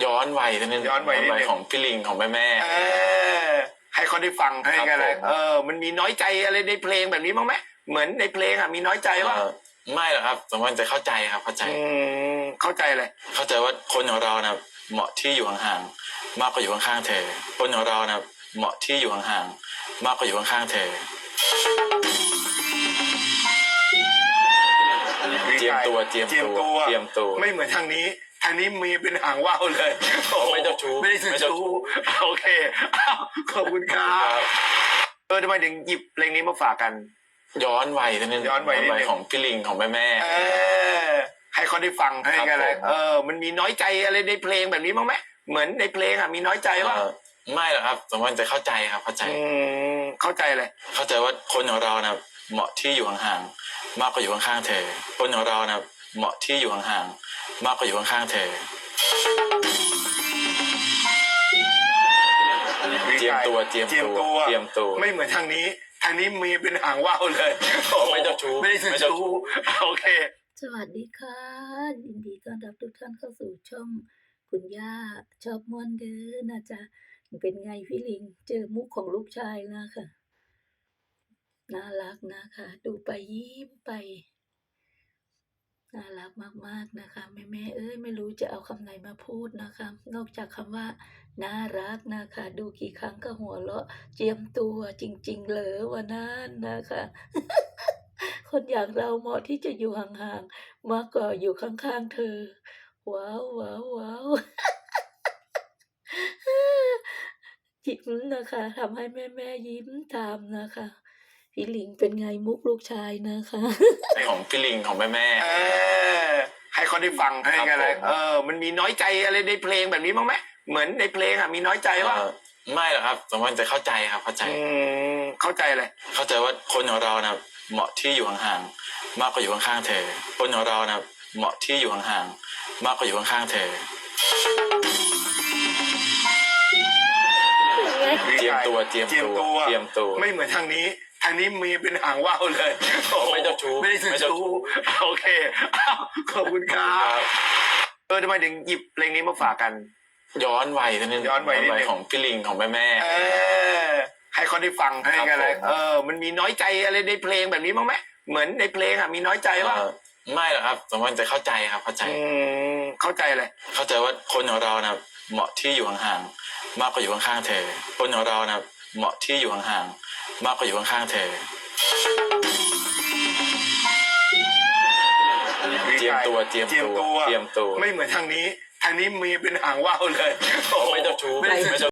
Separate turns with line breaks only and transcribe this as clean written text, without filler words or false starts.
ย้อนวัยนิดนึง
ย้อนวัยนิดนึง
ของพี่ลิงของแม่
ให้เขาได้ฟังให้กันเลย
ครับผม
มันมีน้อยใจอะไรในเพลงแบบนี้บ้างไหมเหมือนในเพลงอ่ะมีน้อยใจว่า
ไม่หรอกครับสมมติจะเข้าใจครับเข้าใจ
เข้าใจเลย
เข้าใจว่าคนของเรานะเหมาะที่อยู่ห่างๆมากกว่าอยู่ข้างๆเธอคนของเรานะเหมาะที่อยู่ห่างๆมากกว่าอยู่ข้างๆเธอเจียมตัว
ไม่เหมือนทางนี้มีเป็นหางว่าวเลย
ไม่เจ้าชู้
ไม่ได้เจ้าชู้โอเคขอบคุณครับทำไมถึงหยิบเพลงนี้มาฝากกัน
ย้อนวัยนิดนึง
ย้อนวัยนิดนึง
ของพี่ลิงของแม่
ให้เขาได้ฟังให้กันเลย
ครับผม
มันมีน้อยใจอะไรในเพลงแบบนี้บ้างไหมเหมือนในเพลงอ่ะมีน้อยใจว่า
ไม่หรอกครับสมมติจะเข้าใจครับเข้าใจ
เข้าใจเลย
เข้าใจว่าคนของเรานะเหมาะที่อยู่ห่างๆมากกว่าอยู่ข้างๆเธอคนของเรานะเหมาะที่อยู่ห่างๆมากกว่าอยู่ข้างๆเธอเจียมตัว
ไม่เหมือนทางนี้มีเป็นหางว่าวเลย
ไม่เจ้าชู้
ไม่ได้เจ้าชู้โอเค
สวัสดีค่ะยินดีต้อนรับทุกท่านเข้าสู่ช่องคุณย่าชอบม่วนเด้อนะจ๊ะเป็นไงพี่ลิงเจอมุกของลูกชายนะคะน่ารักนะคะ ดูไปยิ้มไปน่ารักมากๆนะคะแม่เอ้ยไม่รู้จะเอาคำไหนมาพูดนะคะ นอกจากคำว่าน่ารักนะคะ ดูกี่ครั้งก็หัวเราะเจียมตัวจริงๆเลยวันนั้นนะคะ คนอย่างเราเหมาะที่จะอยู่ห่างๆมากกว่าอยู่ข้างๆเธอ ว้าวว้าวว้าวยิ้มนะคะทำให้แม่ยิ้มตามนะคะ พี่ลิงเป็นไงมุกลูกชายนะคะ
ของพี่ลิงของแม่
ให้เขาได้ฟังให้กันเลย
ครับผม
มันมีน้อยใจอะไรในเพลงแบบนี้บ้างไหมเหมือนในเพลงอ่ะมีน้อยใจว่า
ไม่หรอกครับสมมติจะเข้าใจครับเข้าใจ
เข้าใจเลย
เข้าใจว่าคนของเรานะเหมาะที่อยู่ห่างๆมากกว่าอยู่ข้างๆเธอคนของเรานะเหมาะที่อยู่ห่างๆมากกว่าอยู่ข้างๆเธอเจียมตัว
ไม่เหมือนทางนี้มีเป็นหางว่าวเลย
ไม่เจ้าชู้
ไม่ได้เจ้าชู้โอเคขอบคุณครับทำไมถึงหยิบเพลงนี้มาฝากกัน
ย้อนวัยนิดนึง
ย้อนวัยนิดนึง
ของพี่ลิงของแม่
ให้เขาได้ฟังให้กันเลย
ครับผม
มันมีน้อยใจอะไรในเพลงแบบนี้บ้างไหมเหมือนในเพลงอ่ะมีน้อยใจว่า
ไม่หรอกครับสมมติจะเข้าใจครับเข้าใจ
เข้าใจเลย
เข้าใจว่าคนของเรานะเหมาะที่อยู่ห่างๆมากกว่าอยู่ข้างๆเธอคนของเรานะเหมาะที่อยู่ห่างๆมากกว่าอยู่ข้างๆเธอเจียมตัว
ไม่เหมือนทางนี้มีเป็นหางว่าวเลย
ไม่เจ้าชู้
ไม่ได้เจ้าชู้